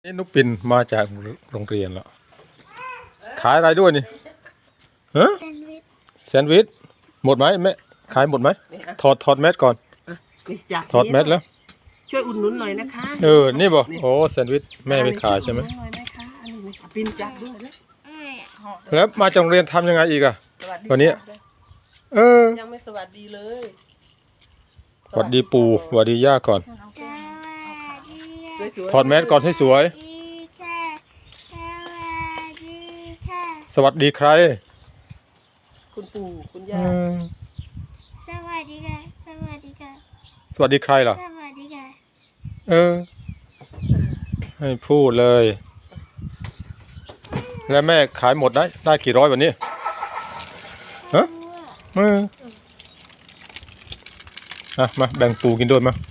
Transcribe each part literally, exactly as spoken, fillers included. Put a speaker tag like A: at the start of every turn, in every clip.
A: นี่นุกปินมาจากโรงเรียนแล้วขายอะไรด้วยนี่ฮะแซนด์วิชหมดไหมแม่ขายหมดไหมถอดถอดแมสก่อนถอดแมสแล้ว
B: ช่วยอุดหนุนหน่อยนะคะ
A: เออนี่บอกโอ้แซนด์วิชแม่ไปขายใช่ไหม
B: ปินจับด้วยนะ
A: แล้วมาจากโรงเรียนทำยังไงอีกอะวันนี้เออ
B: ยังไม่สวัสดีเลย
A: สวัสดีปู่สวัสดีย่าก่อนถอดแมสก่อนให้สวยสวัสดีใคร
B: คุณปู่คุณย่า
C: สวัสดีค่ะสวัสดีค่ะ
A: สวัสดีใครล่ะ
C: สวัสดีค่ะ
A: เออให้พูดเลยแล้วแม่ขายหมดได้ได้กี่ร้อยวันนี้ฮะเอออ่ะมาแบ่งปูกินด้วยมา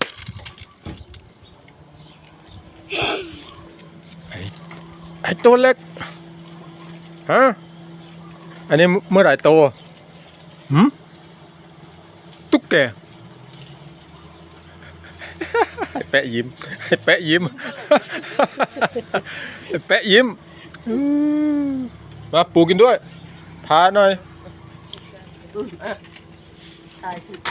A: ไอ้ไอ้ตัวเล็กฮะอันนี้เมื่อไหร่โตหืมตุ๊กแกให้แปะยิ้มให้แปะยิ้มให้แปะยิ้มมาปูกินด้วยพาหน่อย
B: ถ่ายคือ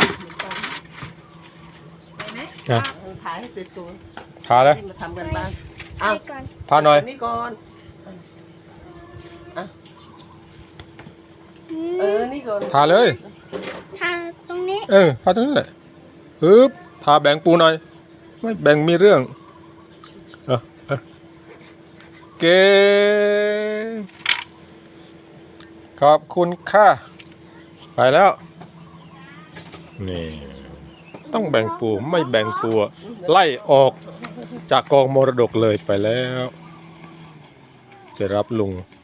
B: ไปไหมถ่ายให้เสร็จตัว
A: พาเลย
B: มาทำกันบ้างอ้าว
A: พาหน่อย
B: นี่ก่อนเออนี่ก่อน
A: พาเลย
C: ทางตรงนี้
A: เออพาตรงนี้แหละปึ๊บพาแบ่งปูหน่อยไม่แบ่งมีเรื่องเออเออเก่งขอบคุณค่ะไปแล้วนี่ต้องแบ่งปูไม่แบ่งปูไล่ออกจากกองมรดกเลยไปแล้วจะรับลุง